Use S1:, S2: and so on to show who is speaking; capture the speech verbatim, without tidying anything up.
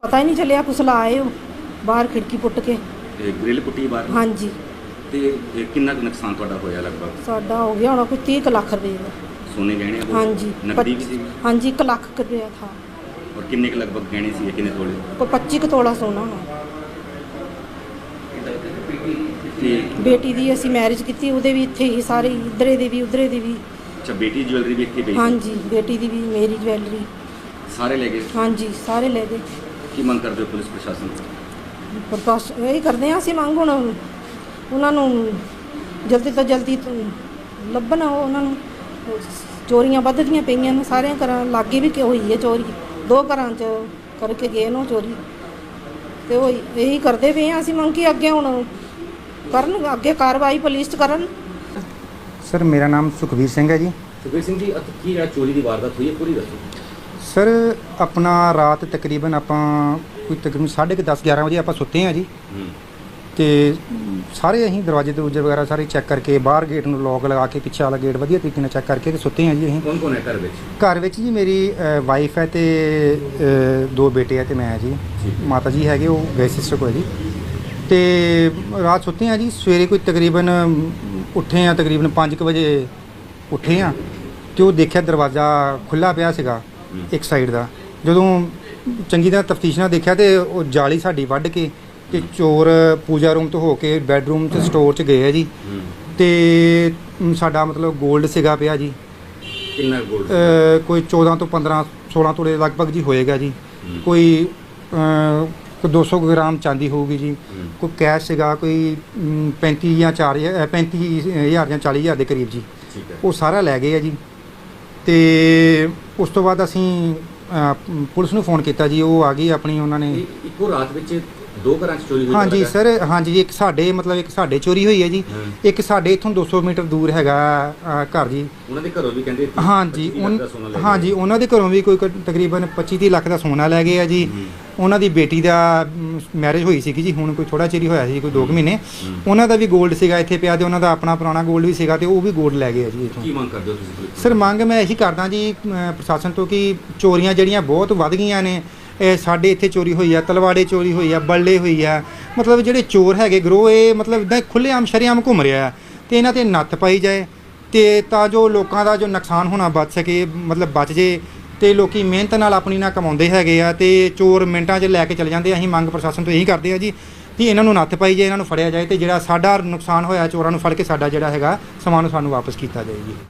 S1: पता ही नहीं चलिया कुसला आए हो बाहर खिड़की पुट के
S2: ग्रिल पुट्टी बाहर।
S1: हाँ जी।
S2: ਤੇ ਇਹ ਕਿੰਨਾ ਕੁ ਨੁਕਸਾਨ ਤੁਹਾਡਾ ਹੋਇਆ ਲਗਭਗ?
S1: साडा हो गया होना कोई तीस क लाख रुपए का।
S2: ਸੋਨੇ ਗਹਿਣੇ ਉਹ?
S1: हाँ जी।
S2: ਨਕਦੀ ਵੀ ਸੀ?
S1: हाँ जी एक लाख रुपया था।
S2: ਔਰ ਕਿੰਨੇ ਕੁ ਲਗਭਗ ਗਹਿਣੇ ਸੀ ਕਿੰਨੇ ਤੋਲੇ?
S1: कोई पच्ची क तोला सोना है।
S2: ਤੇ
S1: बेटी दी असी मैरिज की ਉਹਦੇ ਵੀ ਇੱਥੇ ਹੀ ਸਾਰੇ ਇਧਰੇ ਦੇ ਵੀ ਉਧਰੇ ਦੇ ਵੀ।
S2: ਅੱਛਾ ਬੇਟੀ ਦੀ ਜੁਐਲਰੀ ਵੀ ਇੱਥੇ ਪਈ?
S1: हाँ जी बेटी दी भी मेरी ज्वेलरी
S2: ਸਾਰੇ ਲੈ ਗਏ?
S1: हाँ जी सारे ले गए।
S2: ਕੀ ਮੰਗ ਕਰਦੇ ਹੋ ਪੁਲਿਸ ਪ੍ਰਸ਼ਾਸਨ ਤੋਂ?
S1: ਪਰ ਬਸ ਇਹੀ ਕਰਦੇ ਹਾਂ ਅਸੀਂ ਮੰਗ ਹੁਣ ਉਹਨਾਂ ਨੂੰ ਜਲਦੀ ਤੋਂ ਜਲਦੀ ਲੱਭਣ ਉਹਨਾਂ ਨੂੰ। ਚੋਰੀਆਂ ਵੱਧਦੀਆਂ ਪਈਆਂ ਨੇ ਸਾਰਿਆਂ ਘਰਾਂ ਲਾਗੇ ਵੀ ਕਿ ਹੋਈ ਹੈ ਚੋਰੀ, ਦੋ ਘਰਾਂ 'ਚ ਕਰਕੇ ਗਏ ਨੇ ਚੋਰੀ ਤੇ ਉਹ ਇਹੀ ਕਰਦੇ ਪਏ ਹਾਂ ਅਸੀਂ ਮੰਗ ਕਿ ਅੱਗੇ ਹੁਣ ਕਰਨ, ਅੱਗੇ ਕਾਰਵਾਈ ਪੁਲਿਸ 'ਚ ਕਰਨ।
S3: ਸਰ ਮੇਰਾ ਨਾਮ ਸੁਖਬੀਰ ਸਿੰਘ ਹੈ ਜੀ।
S2: ਸੁਖਬੀਰ ਸਿੰਘ ਜੀ ਅੱਜ ਕੀ ਜਿਹੜਾ ਚੋਰੀ ਦੀ ਵਾਰਦਾਤ ਹੋਈ ਹੈ ਪੂਰੀ ਦੱਸੋ।
S3: ਸਰ ਆਪਣਾ ਰਾਤ ਤਕਰੀਬਨ ਆਪਾਂ ਕੋਈ ਤਕਰੀਬਨ ਸਾਢੇ ਕੁ ਦਸ ਗਿਆਰਾਂ ਵਜੇ ਆਪਾਂ ਸੁੱਤੇ ਹਾਂ ਜੀ। ਤੇ ਸਾਰੇ ਅਸੀਂ ਦਰਵਾਜ਼ੇ ਦਰੂਜੇ ਵਗੈਰਾ ਸਾਰੇ ਚੈੱਕ ਕਰਕੇ ਬਾਹਰ ਗੇਟ ਨੂੰ ਲੋਕ ਲਗਾ ਕੇ ਪਿੱਛੇ ਵਾਲਾ ਗੇਟ ਵਧੀਆ ਤਰੀਕੇ ਨਾਲ ਚੈੱਕ ਕਰਕੇ ਤੇ ਸੁੱਤੇ ਹਾਂ ਜੀ ਅਸੀਂ।
S2: ਕੌਣ ਕੌਣ ਹੈ ਘਰ ਵਿੱਚ?
S3: ਘਰ ਵਿੱਚ ਜੀ ਮੇਰੀ ਵਾਈਫ ਹੈ ਤੇ ਅ, ਦੋ ਬੇਟੇ ਹੈ ਤੇ ਮੈਂ ਜੀ। ਮਾਤਾ ਜੀ ਹੈਗੇ ਉਹ ਗਏ ਸਿਸਟਰ ਕੋਲ ਜੀ। ਤੇ ਰਾਤ ਸੁੱਤੇ ਹਾਂ ਜੀ। ਸਵੇਰੇ ਕੋਈ ਤਕਰੀਬਨ ਉੱਠੇ ਹਾਂ ਤਕਰੀਬਨ ਪੰਜ ਕੁ ਵਜੇ ਉੱਠੇ ਹਾਂ ਤੇ ਉਹ ਦੇਖਿਆ ਦਰਵਾਜ਼ਾ ਖੁੱਲ੍ਹਾ ਪਿਆ ਸੀਗਾ ਇੱਕ ਸਾਈਡ ਦਾ। ਜਦੋਂ ਚੰਗੀ ਤਰ੍ਹਾਂ ਤਫਤੀਸ਼ ਨਾਲ ਦੇਖਿਆ ਤੇ ਉਹ ਜਾਲੀ ਸਾਡੀ ਵੱਢ ਕੇ ਤੇ ਚੋਰ ਪੂਜਾ ਰੂਮ ਤੋਂ ਹੋ ਕੇ ਬੈੱਡਰੂਮ ਤੇ ਸਟੋਰ 'ਚ ਗਏ ਆ ਜੀ। ਤੇ ਸਾਡਾ ਮਤਲਬ 골ਡ ਸੀਗਾ ਪਿਆ ਜੀ।
S2: ਕਿੰਨਾ 골ਡ?
S3: ਅ, ਕੋਈ ਚੌਦਾਂ ਤੋਂ ਪੰਦਰਾਂ ਸੋਲਾਂ ਤੋਲੇ ਲਗਭਗ ਜੀ ਹੋਏਗਾ ਜੀ। ਕੋਈ ਅ, ਦੋ ਸੌ ਗ੍ਰਾਮ ਚਾਂਦੀ ਹੋਊਗੀ ਜੀ। ਕੋਈ ਕੈਸ਼ ਸੀਗਾ ਕੋਈ ਅਮ, ਪੈਂਤੀ ਜਾਂ ਚਾਰ ਹਜ਼ਾਰ ਪੈਂਤੀ ਹਜ਼ਾਰ ਜਾਂ ਚਾਲੀ ਹਜ਼ਾਰ ਦੇ ਕਰੀਬ ਜੀ। ਉਹ ਸਾਰਾ ਲੈ ਗਏ ਆ ਜੀ। ਤੇ ਉਸ ਤੋਂ ਬਾਅਦ ਅਸੀਂ ਅ, ਪੁਲਿਸ ਨੂੰ ਫੋਨ ਕੀਤਾ ਜੀ। ਉਹ ਆ ਗਈ ਆਪਣੀ ਉਹਨਾਂ ਨੇ।
S2: ਇੱਕੋ ਰਾਤ ਵਿੱਚ ਦੋ ਘਰਾਂ 'ਚ ਚੋਰੀ ਹੋਈ?
S3: ਹਾਂਜੀ ਸਰ ਹਾਂਜੀ ਇੱਕ ਸਾਡੇ ਮਤਲਬ ਇੱਕ ਸਾਡੇ ਚੋਰੀ ਹੋਈ ਹੈ ਜੀ। ਇੱਕ ਸਾਡੇ ਇੱਥੋਂ ਦੋ ਸੌ ਮੀਟਰ ਦੂਰ ਹੈਗਾ ਅ, ਘਰ ਜੀ।
S2: ਉਹਨਾਂ ਦੇ ਘਰੋਂ ਵੀ ਕਹਿੰਦੇ
S3: ਹਾਂਜੀ ਹਾਂਜੀ ਉਹਨਾਂ ਦੇ ਘਰੋਂ ਵੀ ਕੋਈ ਕ- ਤਕਰੀਬਨ ਪੱਚੀ ਤੀਹ ਲੱਖ ਦਾ ਸੋਨਾ ਲੈ ਗਏ ਆ ਜੀ। ਉਹਨਾਂ ਦੀ ਬੇਟੀ ਦਾ ਮੈਰਿਜ ਹੋਈ ਸੀਗੀ ਜੀ ਹੁਣ ਕੋਈ ਥੋੜਾ ਚਿਰ ਹੀ ਹੋਇਆ ਸੀ ਕੋਈ ਦੋ ਕੁ ਮਹੀਨੇ। ਉਹਨਾਂ ਦਾ ਵੀ 골ਡ ਸੀਗਾ ਇੱਥੇ ਪਿਆ ਤੇ ਉਹਨਾਂ ਦਾ ਆਪਣਾ ਪੁਰਾਣਾ 골ਡ ਵੀ ਸੀਗਾ ਤੇ ਉਹ ਵੀ 골ਡ ਲੈ ਗਏ ਆ ਜੀ ਇੱਥੋਂ।
S2: ਕੀ ਮੰਗ ਕਰਦੇ ਹੋ ਤੁਸੀਂ?
S3: ਸਰ ਮੰਗ ਮੈਂ ਇਹੀ ਕਰਦਾ ਜੀ ਅ, ਪ੍ਰਸ਼ਾਸਨ ਤੋਂ ਕਿ ਚੋਰੀਆਂ ਜਿਹੜੀਆਂ ਬਹੁਤ ਵੱਧ ਗਈਆਂ ਨੇ। ਇਹ ਸਾਡੇ ਇੱਥੇ ਚੋਰੀ ਹੋਈ ਆ, ਤਲਵਾੜੇ ਚੋਰੀ ਹੋਈ ਆ, ਬੱਲੇ ਹੋਈ ਆ। ਮਤਲਬ ਜਿਹੜੇ ਚੋਰ ਹੈਗੇ ਗਰੋਹ ਇਹ ਮਤਲਬ ਇੱਦਾਂ ਖੁੱਲ੍ਹੇਆਮ ਸ਼ਰੇਆਮ ਘੁੰਮ ਰਿਹਾ ਤੇ ਇਹਨਾਂ 'ਤੇ ਨੱਥ ਪਾਈ ਜਾਏ ਤੇ ਤਾਂ ਜੋ ਲੋਕਾਂ ਦਾ ਜੋ ਨੁਕਸਾਨ ਹੋਣਾ ਬਚ ਸਕੇ ਮਤਲਬ ਬਚ ਜੇ। ਤੇ ਲੋਕੀ ਮਿਹਨਤ ਨਾਲ ਆਪਣੀ ਨਾਲ ਕਮਾਉਂਦੇ ਹੈਗੇ ਆ ਤੇ ਚੋਰ ਮਿੰਟਾਂ 'ਚ ਲੈ ਕੇ ਚਲੇ ਜਾਂਦੇ। ਅਸੀਂ ਮੰਗ ਪ੍ਰਸ਼ਾਸਨ ਤੋਂ ਇਹੀ ਕਰਦੇ ਆ ਜੀ ਕਿ ਇਹਨਾਂ ਨੂੰ ਨੱਥ ਪਾਈ ਜਾਏ, ਇਹਨਾਂ ਨੂੰ ਫੜਿਆ ਜਾਏ ਤੇ ਜਿਹੜਾ ਸਾਡਾ ਨੁਕਸਾਨ ਹੋਇਆ ਚੋਰਾਂ ਨੂੰ ਫੜ ਕੇ ਸਾਡਾ ਜਿਹੜਾ ਹੈਗਾ ਸਮਾਨ ਸਾਨੂੰ ਵਾਪਸ ਕੀਤਾ ਜਾਏ ਜੀ।